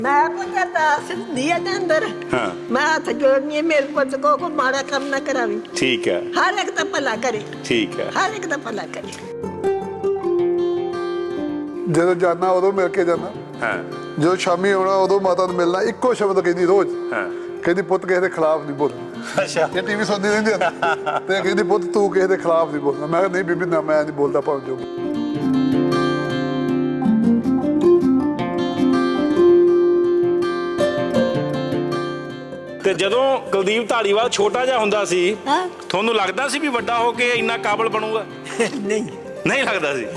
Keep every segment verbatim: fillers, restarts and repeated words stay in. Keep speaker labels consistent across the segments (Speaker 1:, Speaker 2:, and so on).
Speaker 1: ਮੈਂ ਪੁੱਛਿਆ ਤਾਂ ਦਿਆ ਦੇ ਅੰਦਰ
Speaker 2: ਹਾਂ
Speaker 1: ਮੈਂ ਹੱਥ ਜੋੜਨੀ ਮੇਰੇ ਪੁੱਤ ਕੋ ਕੋ ਮਾੜਾ ਕੰਮ ਨਾ ਕਰਾਵੀ।
Speaker 2: ਠੀਕ ਹੈ,
Speaker 1: ਹਰ ਇੱਕ ਦਾ ਭਲਾ ਕਰੇ।
Speaker 2: ਠੀਕ ਹੈ,
Speaker 1: ਹਰ ਇੱਕ ਦਾ ਭਲਾ ਕਰੇ।
Speaker 3: ਜਦੋਂ ਜਾਣਾ ਉਦੋਂ ਮਿਲ ਕੇ ਜਾਣਾ।
Speaker 2: ਹਾਂ
Speaker 3: ਜਦੋਂ ਸ਼ਾਮੀ ਆਉਣਾ ਉਦੋਂ ਮਾਤਾ ਨੂੰ ਮਿਲਣਾ। ਇੱਕੋ ਸ਼ਬਦ ਕਹਿੰਦੀ ਰੋਜ਼,
Speaker 2: ਹਾਂ
Speaker 3: ਕਹਿੰਦੀ ਪੁੱਤ ਕਿਸੇ ਦੇ ਖਿਲਾਫ ਨਹੀਂ ਬੋਲਣਾ।
Speaker 2: ਅੱਛਾ
Speaker 3: ਇਹ ਟੀਵੀ ਸੁਣਦੀ ਰਹਿੰਦੀ ਆ ਤੇ ਕਹਿੰਦੀ ਪੁੱਤ ਤੂੰ ਕਿਸੇ ਦੇ ਖਿਲਾਫ ਨਹੀਂ ਬੋਲਣਾ। ਮੈਂ ਕਿਹਾ ਨਹੀਂ ਬੀਬੀ ਨਾ, ਮੈਂ ਨਹੀਂ ਬੋਲਦਾ ਭਾਵੇਂ ਜੋ।
Speaker 2: ਤੇ ਜਦੋਂ ਕੁਲਦੀਪ ਧਾਲੀਵਾਲ ਛੋਟਾ ਜਿਹਾ ਹੁੰਦਾ ਸੀ
Speaker 1: ਹਾਂ
Speaker 2: ਤੁਹਾਨੂੰ ਲੱਗਦਾ ਸੀ ਵੀ ਵੱਡਾ ਹੋ ਕੇ ਇੰਨਾ ਕਾਬਲ ਬਣੂਗਾ?
Speaker 1: ਨਹੀਂ
Speaker 2: ਨਹੀਂ ਲੱਗਦਾ ਸੀ।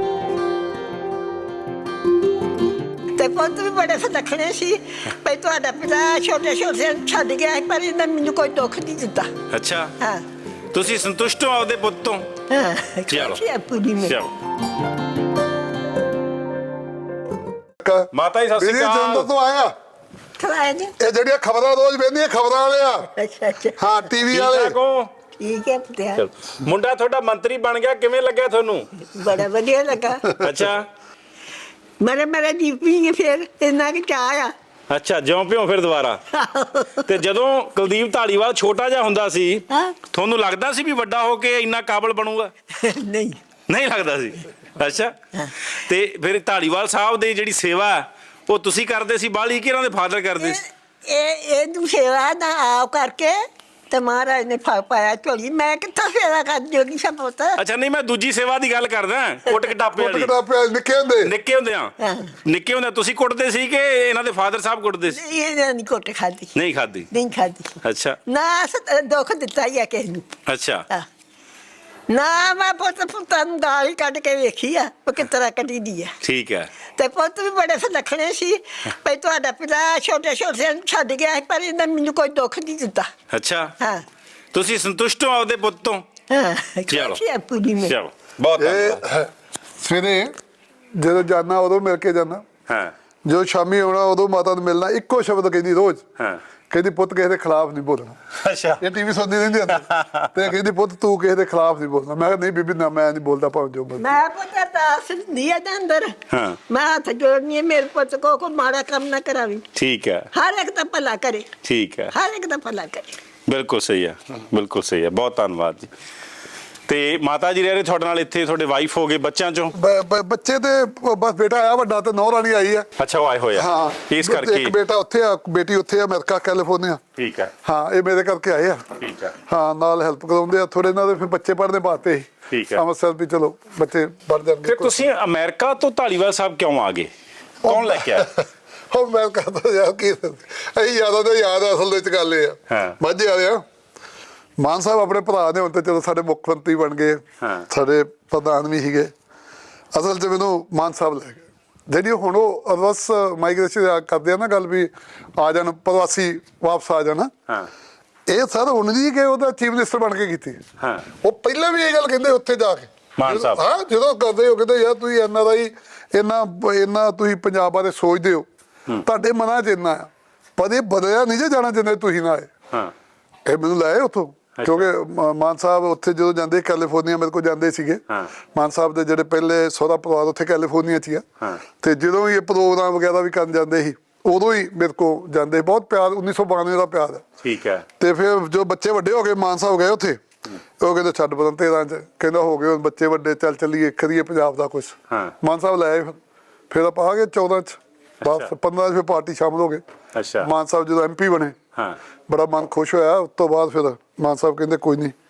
Speaker 1: ਤੇ ਪੁੱਤ ਵੀ ਬੜੇ ਸਦਖਣੇ ਸੀ ਭਈ ਤੁਹਾਡਾ ਪਿਤਾ ਛੋਟੇ ਛੋਟੇ ਛੱਡ ਗਿਆ ਸੀ, ਪਰ ਇਹਨੇ ਮੈਨੂੰ ਕੋਈ ਦੁੱਖ ਨਹੀਂ ਦਿੱਤਾ।
Speaker 2: ਅੱਛਾ
Speaker 1: ਹਾਂ
Speaker 2: ਤੁਸੀਂ ਸੰਤੁਸ਼ਟ ਹੋ ਆਪਦੇ ਪੁੱਤ ਤੋਂ?
Speaker 1: ਹਾਂ
Speaker 2: ਚਲੋ।
Speaker 1: ਖੁਸ਼ੀ ਹੈ ਪੂਰੀ ਮੇਰੀ।
Speaker 2: ਚਲੋ ਮਾਤਾ ਜੀ ਸਤਿ
Speaker 3: ਵੀਰੇ
Speaker 2: ਸ਼੍ਰੀ
Speaker 3: ਜੰਦਰ
Speaker 2: ਅਕਾਲ।
Speaker 3: ਤੋਂ ਆਇਆ।
Speaker 1: ਖਲਾਇਆ ਜੀ।
Speaker 3: ਇਹ ਜਿਹੜੀਆਂ ਖਬਰਾਂ ਰੋਜ਼ ਵੇਖਦੀਆਂ ਖਬਰਾਂ ਵਾਲੇ ਆ।
Speaker 1: ਅੱਛਾ ਅੱਛਾ
Speaker 3: ਹਾਂ ਟੀਵੀ
Speaker 2: ਠੀਕ
Speaker 3: ਵਾਲੇ।
Speaker 2: ਠਾਕ ਹੋ?
Speaker 1: ਠੀਕ ਹੈ ਪੁੱਤਿਆ।
Speaker 2: ਚਲੋ। ਮੁੰਡਾ ਤੁਹਾਡਾ ਮੰਤਰੀ ਬਣ ਗਿਆ, ਕਿਵੇਂ ਲੱਗਿਆ ਤੁਹਾਨੂੰ?
Speaker 1: ਬੜਾ ਵਧੀਆ ਲੱਗਾ।
Speaker 2: ਅੱਛਾ
Speaker 1: ਮੇਰੇ ਮੇਰੇ ਦੀਪੀ ਫਿਰ ਇੰਨਾ ਕਿ ਚਾਹ ਆ।
Speaker 2: ਅੱਛਾ ਜਿਉਂ ਪਿਓ ਫਿਰ ਦੁਬਾਰਾ। ਤੇ ਜਦੋਂ ਕੁਲਦੀਪ ਧਾਲੀਵਾਲ ਛੋਟਾ ਜਿਹਾ ਹੁੰਦਾ ਸੀ
Speaker 1: ਹਾਂ
Speaker 2: ਤੁਹਾਨੂੰ ਲੱਗਦਾ ਸੀ ਵੀ ਵੱਡਾ ਹੋ ਕੇ ਇੰਨਾ ਕਾਬਲ ਬਣੂਗਾ?
Speaker 1: ਨਹੀਂ
Speaker 2: ਨਹੀਂ ਲੱਗਦਾ ਸੀ। ਅੱਛਾ ਤੇ ਫਿਰ ਧਾਲੀਵਾਲ ਸਾਹਿਬ ਦੀ ਜਿਹੜੀ ਸੇਵਾ ਉਹ ਤੁਸੀਂ ਕਰਦੇ ਸੀ ਬਾਹਲੀ ਕਿ ਇਹਨਾਂ ਦੇ ਫਾਦਰ ਕਰਦੇ ਸੀ?
Speaker 1: ਇਹ ਇਹ ਤੂੰ ਸੇਵਾ ਨਾ ਆਪ ਕਰਕੇ ਤੇ ਮਹਾਰਾਜ ਨੇ ਫਾ ਪਾਇਆ ਝੋਲੀ। ਮੈਂ ਕਿੱਥੋਂ ਸੇਵਾ ਕਰ ਜੋਗੀ ਸਭ ਪੁੱਤ।
Speaker 2: ਅੱਛਾ ਨਹੀਂ ਮੈਂ ਦੂਜੀ ਸੇਵਾ ਦੀ ਗੱਲ ਕਰਦਾ, ਕੁੱਟ ਕਟਾਪੇ
Speaker 3: ਕੁੱਟ
Speaker 2: ਵਾਲੀ।
Speaker 3: ਕਟਾਪੇ ਵਾਲੇ ਨਿੱਕੇ ਹੁੰਦੇ।
Speaker 2: ਨਿੱਕੇ ਹੁੰਦੇ ਆ
Speaker 1: ਹਾਂ।
Speaker 2: ਨਿੱਕੇ ਹੁੰਦੇ ਤੁਸੀਂ ਕੁੱਟਦੇ ਸੀ ਕਿ ਇਹਨਾਂ ਦੇ ਫਾਦਰ ਸਾਹਿਬ ਕੁੱਟਦੇ ਸੀ?
Speaker 1: ਇਹ ਨਹੀਂ ਕੋਟ ਖਾਦੀ।
Speaker 2: ਨਹੀਂ ਖਾਦੀ।
Speaker 1: ਨਹੀਂ ਖਾਦੀ।
Speaker 2: ਅੱਛਾ
Speaker 1: ਨਾ ਸ- ਦੁੱਖ ਦਿੱਤਾ ਹੀ ਆ ਕਿਸੇ ਨੂੰ।
Speaker 2: ਅੱਛਾ
Speaker 1: ਹਾਂ। ਨਾ ਮੈਂ ਪੁੱਤ ਪੁੱਤਾਂ ਨੂੰ ਦਾਲ ਹੀ ਕੱਢ ਕੇ ਵੇਖੀ ਆ ਉਹ ਕਿਸ ਤਰ੍ਹਾਂ ਕੱਢੀ ਦੀ ਆ।
Speaker 2: ਠੀਕ ਹੈ।
Speaker 1: ਤੇ ਪੁੱਤ ਵੀ ਬੜੇ ਸਦਖਣੇ ਸੀ ਭਈ ਤੁਹਾਡਾ ਪਿਤਾ ਛੋਟੇ ਛੋਟੇ ਛੱਡ ਗਿਆ ਸੀ, ਪਰ ਇਹਨੇ ਮੈਨੂੰ ਕੋਈ ਦੁੱਖ ਨਹੀਂ ਦਿੱਤਾ।
Speaker 2: ਅੱਛਾ
Speaker 1: ਹਾਂ
Speaker 2: ਤੁਸੀਂ ਸੰਤੁਸ਼ਟ ਹੋ ਆਪਦੇ ਪੁੱਤ ਤੋਂ?
Speaker 1: ਹਾਂ
Speaker 2: ਚਲੋ।
Speaker 1: ਖੁਸ਼ੀ ਹੈ ਪੂਰੀ ਮੇਰੀ।
Speaker 2: ਚਲੋ ਬਹੁਤ ਧੰਨਵਾਦ।
Speaker 3: ਇਹ ਸਵੇਰੇ ਜਦੋਂ ਜਾਣਾ ਉਦੋਂ ਮਿਲ ਕੇ ਜਾਣਾ।
Speaker 2: ਹਾਂ
Speaker 3: ਜਦੋਂ ਸ਼ਾਮੀ ਆਉਣਾ ਉਦੋਂ ਮਾਤਾ ਨੂੰ ਮਿਲਣਾ। ਇੱਕੋ ਸ਼ਬਦ ਕਹਿੰਦੀ ਰੋਜ਼,
Speaker 2: ਹਾਂ
Speaker 3: ਕਹਿੰਦੀ ਪੁੱਤ ਕਿਸੇ ਦੇ ਖਿਲਾਫ ਨਹੀਂ ਬੋਲਣਾ।
Speaker 2: ਅੱਛਾ
Speaker 3: ਇਹ ਟੀਵੀ ਸੁਣਦੀ ਰਹਿੰਦੀ ਆ ਤੇ ਕਹਿੰਦੀ ਪੁੱਤ ਤੂੰ ਕਿਸੇ ਦੇ ਖਿਲਾਫ ਨਹੀਂ ਬੋਲਣਾ। ਮੈਂ ਕਿਹਾ ਨਹੀਂ ਬੀਬੀ ਨਾ, ਮੈਂ ਨਹੀਂ ਬੋਲਦਾ ਭਾਵੇਂ ਜੋ ਮਰਜ਼ੀ।
Speaker 1: ਮੈਂ ਪੁੱਛਿਆ ਤਾਂ ਦਿਆ ਦੇ ਅੰਦਰ
Speaker 2: ਹਾਂ
Speaker 1: ਮੈਂ ਹੱਥ ਜੋੜਨੀ ਮੇਰੇ ਪੁੱਤ ਕੋ ਕੋ ਮਾੜਾ ਕੰਮ ਨਾ ਕਰਾਵੀ।
Speaker 2: ਠੀਕ ਹੈ,
Speaker 1: ਹਰ ਇੱਕ ਦਾ ਭਲਾ ਕਰੇ।
Speaker 2: ਠੀਕ ਹੈ,
Speaker 1: ਹਰ ਇੱਕ ਦਾ ਭਲਾ ਕਰੇ।
Speaker 2: ਬਿਲਕੁਲ ਸਹੀ ਹੈ, ਬਿਲਕੁਲ ਸਹੀ ਹੈ। ਬਹੁਤ ਧੰਨਵਾਦ ਜੀ। ਤੇ ਮਾਤਾ ਜੀ ਰਹਿ ਰਹੇ ਤੁਹਾਡੇ ਨਾਲ ਇੱਥੇ, ਤੁਹਾਡੇ ਵਾਈਫ ਹੋ ਗਏ, ਬੱਚਿਆਂ ਚੋਂ?
Speaker 3: ਬ- ਬ- ਬੱਚੇ ਤੇ ਬਸ ਬੇਟਾ ਆਇਆ ਵੱਡਾ ਤੇ ਨੌ ਰਾਣੀ ਆਈ ਆ।
Speaker 2: ਅੱਛਾ ਉਹ ਆਏ ਹੋਏ ਆ
Speaker 3: ਹਾਂ
Speaker 2: ਇਸ ਕਰਕੇ?
Speaker 3: ਇੱਕ ਬੇਟਾ ਉੱਥੇ ਆ, ਬੇਟੀ ਉੱਥੇ ਆ ਅਮਰੀਕਾ ਕੈਲੀਫੋਰਨੀਆ।
Speaker 2: ਠੀਕ ਹੈ,
Speaker 3: ਹਾਂ ਇਹ ਮੇਰੇ ਕਰਕੇ ਆਏ ਆ।
Speaker 2: ਠੀਕ ਹੈ,
Speaker 3: ਹਾਂ ਨਾਲ ਹੈਲਪ ਕਰਾਉਂਦੇ ਆ ਥੋੜੇ ਇਹਨਾਂ ਦੇ ਫਿਰ ਬੱਚੇ ਪੜ੍ਹਨੇ ਪਾਤੇ।
Speaker 2: ਠੀਕ ਹੈ।
Speaker 3: ਅੰਮ੍ਰਿਤਸਰ ਵੀ ਚਲੋ ਬੱਚੇ ਪੜ੍ਹ ਜਾਣਗੇ।
Speaker 2: ਫਿਰ ਤੁਸੀਂ ਅਮਰੀਕਾ ਤੋਂ ਧਾਲੀਵਾਲ ਸਾਹਿਬ ਕਿਉਂ ਆ ਗਏ? ਕੌਣ ਲੈ ਕੇ ਆਇਆ?
Speaker 3: ਉਹ ਮੈਂ ਕਹਦਾ ਯਾਰ ਕੀ ਅਸੀਂ ਯਾਦਾਂ ਤੇ ਯਾਦ ਆ, ਅਸਲ ਵਿੱਚ ਗੱਲ ਇਹ
Speaker 2: ਹਾਂ।
Speaker 3: ਆ ਮਾਝੇ ਵਾਲੇ ਆ। ਮਾਨ ਸਾਹਿਬ ਆਪਣੇ ਭਰਾ ਨੇ ਹੁਣ ਤੇ ਚਲੋ ਸਾਡੇ ਮੁੱਖ ਮੰਤਰੀ ਬਣ ਗਏ,
Speaker 2: ਹਾਂ।
Speaker 3: ਸਾਡੇ ਪ੍ਰਧਾਨ ਵੀ ਸੀਗੇ। ਅਸਲ 'ਚ ਮੈਨੂੰ ਮਾਨ ਸਾਹਿਬ ਲੈ ਗਏ ਜਿਹੜੀ ਹੁਣ ਉਹ ਅਰਵਸ ਮਾਈਗ੍ਰੇਸ਼ਨ ਕਰਦੇ ਆ ਨਾ ਗੱਲ ਵੀ ਆ ਜਾਣ ਪ੍ਰਵਾਸੀ ਵਾਪਸ ਆ ਜਾਣ।
Speaker 2: ਹਾਂ
Speaker 3: ਇਹ ਸਰ ਹੁਣ ਦੀ ਕਿ ਉਹਦਾ ਚੀਫ ਮਿਨਿਸਟਰ ਬਣ ਕੇ ਕੀਤੀ।
Speaker 2: ਹਾਂ
Speaker 3: ਉਹ ਪਹਿਲਾਂ ਵੀ ਇਹ ਗੱਲ ਕਹਿੰਦੇ ਉੱਥੇ ਜਾ ਕੇ
Speaker 2: ਮਾਨ ਸਾਹਿਬ।
Speaker 3: ਹਾਂ ਜਦੋਂ ਕਰਦੇ ਹੋ ਕਹਿੰਦੇ ਯਾਰ ਤੁਸੀਂ ਐਨ ਆਰ ਆਈ ਇੰਨਾ ਇੰਨਾ ਤੁਸੀਂ ਪੰਜਾਬ ਬਾਰੇ ਸੋਚਦੇ ਹੋ, ਤੁਹਾਡੇ ਮਨਾਂ 'ਚ ਇੰਨਾ ਆ, ਪਰ ਇਹ ਬਦਲਿਆ ਨਹੀਂ ਜੇ ਜਾਣਾ ਜਿੰਨੇ ਤੁਸੀਂ ਨਾ ਆਏ।
Speaker 2: ਹਾਂ
Speaker 3: ਇਹ ਮੈਨੂੰ ਲਾਏ ਉੱਥੋਂ ਕਿਉਂਕਿ ਮ- ਮਾਨ ਸਾਹਿਬ ਉੱਥੇ ਜਦੋਂ ਜਾਂਦੇ ਕੈਲੀਫੋਰਨੀਆ ਮੇਰੇ ਕੋਲ ਜਾਂਦੇ ਸੀਗੇ।
Speaker 2: ਹਾਂ।
Speaker 3: ਮਾਨ ਸਾਹਿਬ ਦੇ ਜਿਹੜੇ ਪਹਿਲੇ ਸਹੁਰਾ ਪਰਿਵਾਰ ਉੱਥੇ ਕੈਲੀਫੋਰਨੀਆ 'ਚ ਹੀ ਆ।
Speaker 2: ਹਾਂ।
Speaker 3: ਤੇ ਜਦੋਂ ਵੀ ਇਹ ਪ੍ਰੋਗਰਾਮ ਵਗੈਰਾ ਵੀ ਕਰਨ ਜਾਂਦੇ ਸੀ ਉਦੋਂ ਹੀ ਮੇਰੇ ਕੋਲ ਜਾਂਦੇ। ਬਹੁਤ ਪਿਆਰ ਉੱਨੀ ਸੌ ਬਾਨਵੇਂ ਦਾ ਪਿਆਰ ਹੈ।
Speaker 2: ਠੀਕ ਹੈ।
Speaker 3: ਤੇ ਫਿਰ ਜੋ ਬੱਚੇ ਵੱਡੇ ਹੋ ਗਏ ਮਾਨ ਸਾਹਿਬ ਗਏ ਉੱਥੇ, ਉਹ ਕਹਿੰਦੇ ਛੱਡ ਬਦਨ ਤੇਰਾਂ 'ਚ ਕਹਿੰਦਾ ਹੋ ਗਏ ਹੁਣ ਬੱਚੇ ਵੱਡੇ, ਚੱਲ ਚੱਲੀਏ ਕਰੀਏ ਪੰਜਾਬ ਦਾ ਕੁਛ।
Speaker 2: ਹਾਂ।
Speaker 3: ਮਾਨ ਸਾਹਿਬ ਲੈ ਆਏ ਫਿਰ ਫਿਰ ਆਪਾਂ ਆ ਗਏ ਚੌਦਾਂ 'ਚ ਬਸ ਪੰਦਰਾਂ 'ਚ ਫਿਰ ਪਾਰਟੀ ਸ਼ਾਮਲ ਹੋ ਗਏ।
Speaker 2: ਅੱਛਾ
Speaker 3: ਮਾਨ ਸਾਹਿਬ ਜਦੋਂ ਐਮ ਪੀ ਬਣੇ
Speaker 2: ਹਾਂ
Speaker 3: ਬੜਾ ਮਨ ਖੁਸ਼ ਹੋਇਆ। ਉਸ ਤੋਂ ਬਾਅਦ ਫਿਰ ਮਾਨ ਸਾਹਿਬ ਕਹਿੰਦੇ ਕੋਈ ਨਹੀਂ